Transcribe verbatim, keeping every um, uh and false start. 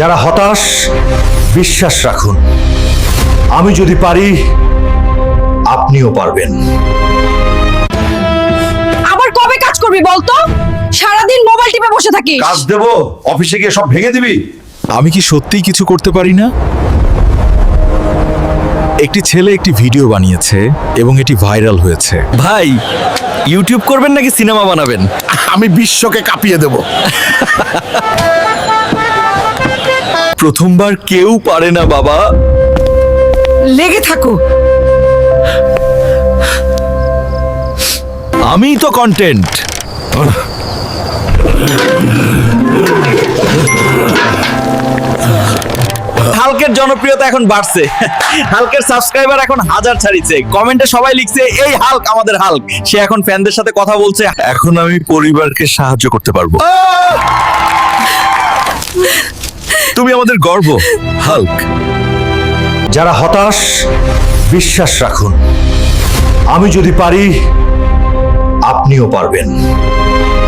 যারা হতাশ বিশ্বাস রাখুন, আমি যদি পারি আপনিও পারবেন। আবার কবে কাজ করবি বলতো? সারাদিন মোবাইল টিপে বসে থাকিস। কাজ দেব, অফিসে গিয়ে সব ভেঙে দিবি। আমি কি সত্যিই কিছু করতে পারি না? একটি ছেলে একটি ভিডিও বানিয়েছে এবং এটি ভাইরাল হয়েছে। ভাই, ইউটিউব করবেন নাকি সিনেমা বানাবেন? আমি বিশ্বকে কাঁপিয়ে দেব। প্রথমবার কেউ পারে না বাবা। লেগে থাকো। আমিই তো কন্টেন্ট। হালকের জনপ্রিয়তা এখন বাড়ছে। হালকের সাবস্ক্রাইবার এখন হাজার ছাড়িছে। কমেন্টে সবাই লিখছে এই হাল্ক আমাদের হাল্ক। সে এখন ফ্যানদের সাথে কথা বলছে। এখন আমি পরিবারকে সাহায্য করতে পারবো। তুমি আমাদের গর্ব, হাল্ক। যারা হতাশ বিশ্বাস রাখুন, আমি যদি পারি আপনিও পারবেন।